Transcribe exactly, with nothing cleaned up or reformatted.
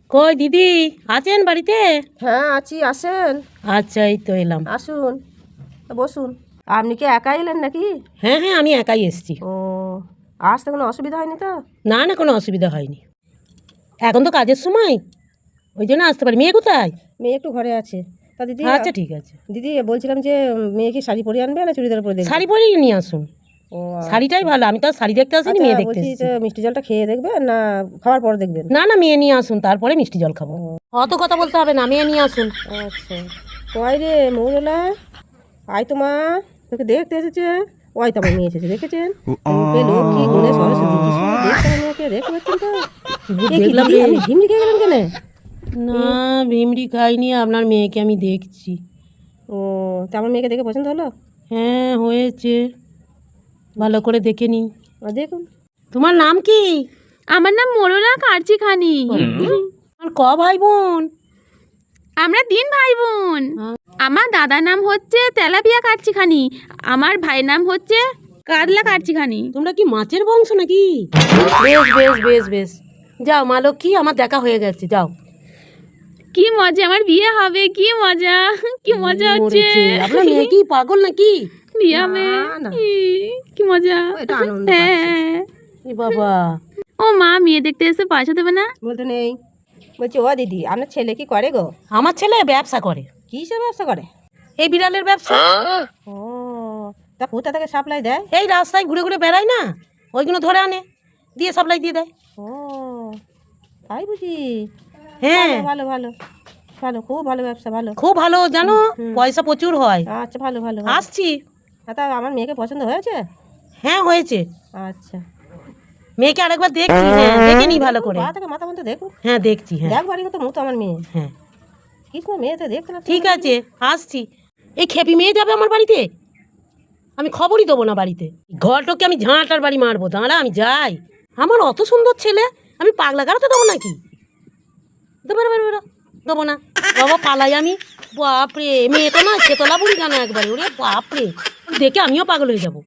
কই দিদি আছেন বাড়িতে? হ্যাঁ আছি, আসেন। আচ্ছা এই তো এলাম। আসুন, বসুন। আপনি কি একা এলেন নাকি? হ্যাঁ হ্যাঁ আমি একাই এসেছি। ও, আসতে কোনো অসুবিধা হয়নি তো? না না কোনো অসুবিধা হয়নি, এখন তো কাজের সময়, ওই জন্য আসতে পারি। মেয়ে কোথায়? মেয়ে একটু ঘরে আছে। তা দিদি, আচ্ছা ঠিক আছে। দিদি বলছিলাম যে মেয়ে কি শাড়ি পরে আনবে না চুড়িদার পরে দেখবে? শাড়ি পরেই নিয়ে আসুন। ও শাড়িটাই ভালো, আমি তো আর শাড়ি দেখতে আসিনি, আচ্ছা, মেয়ে দেখতে বলছি এসেছি। যে মিষ্টি জলটা খেয়ে দেখবেন না খাওয়ার পর দেখবেন? না না মেয়ে নিয়ে আসুন, তারপরে মিষ্টি জল খাবো। অত কথা বলতে হবে না, মেয়ে নিয়ে আসুন। আচ্ছা, কয় রে মৌরলা, আয় তো মা, তোকে দেখতে এসেছে। ওই তো আমার মেয়ে এসেছে, দেখেছেন? রূপে লক্ষ্মী গুণে সরস্বতী, কি সুন্দর দেখতে আমার মেয়েকে, দেখতে পাচ্ছেন তো? এ কি দেখলাম দিদি, রে। আপনি ভিমড়ি খেয়ে গেলেন কেন? না ভিমড়ি খাইনি, আপনার মেয়েকে আমি দেখছি। ও, তা আমার মেয়েকে দেখে পছন্দ হলো? হ্যাঁ হয়েছে, ভালো করে দেখে নিন। আর দেখুন। তোমার নাম কি? আমার নাম মোরলা কার্চিখানি। আর ক ভাই বোন? আমরা তিন ভাই বোন। আমার দাদার নাম হচ্ছে তেলাপিয়া কার্চিখানি, আমার ভাইয়ের নাম হচ্ছে কাতলা কার্চিখানি। তোমরা কি মাছের বংশ নাকি? বেশ বেশ বেশ বেশ, যাও মা লক্ষ্মী, আমার দেখা হয়ে গেছে, যাও। কি মজা, আমার বিয়ে হবে, কি মজা, কি মজা হচ্ছে। মরেছে। আপনার মেয়ে কি পাগল নাকি? বিয়ে হবে, না, না। ই, কি মজা। ও, এটা আনন্দ পাচ্ছে। হ্যাঁ। এ বাবা, ও মা, মেয়ে দেখতে এসে পয়সা দেবে না? বলতে নেই। বলছি ও দিদি, আপনার ছেলে কি করে গো? আমার ছেলে ব্যবসা করে, কিসের ব্যবসা করে? এই বিড়ালের ব্যবসা। ও, তা কোথা থেকে সাপ্লাই দেয়? এই রাস্তায় ঘুরে ঘুরে বেড়ায় না, ওইগুলো ধরে আনে, দিয়ে সাপ্লাই দিয়ে দেয়। ও, তাই বুঝি। হ্যাঁ ভালো ভালো ভালো, খুব ভালো ব্যবসা, ভালো। খুব ভালো জানো, পয়সা প্রচুর হয়। আচ্ছা, ভালো ভালো ভালো। আসছি। হ্যাঁ, তা আমার মেয়েকে পছন্দ হয়েছে? হ্যাঁ হয়েছে, আচ্ছা, মেয়েকে আরেকবার দেখছি। হ্যাঁ দেখে নি ভালো করে। পা থেকে মাথা পর্যন্ত দেখুন। হ্যাঁ দেখছি, হ্যাঁ দেখবারই মতো মতো আমার মেয়ে, হ্যাঁ কি সময় মেয়েতে দেখতে না। ঠিক আছে আসছি। এই খেপি মেয়ে যাবে আমার বাড়িতে, আমি খবরই দেবো না বাড়িতে। ঘরটাকে আমি ঝাঁটার বাড়ি মারবো, দাঁড়া আমি যাই। আমার অত সুন্দর ছেলে, আমি পাগলা গাড়াতে দেবো নাকি? দেবো না, বেরো দেবো না বাবা, পালাই আমি। বাপরে, মেয়ে তো না সেতলা বুড়ি কেন একবারে, ওরে বাপরে, দেখে আমিও পাগল হয়ে যাবো।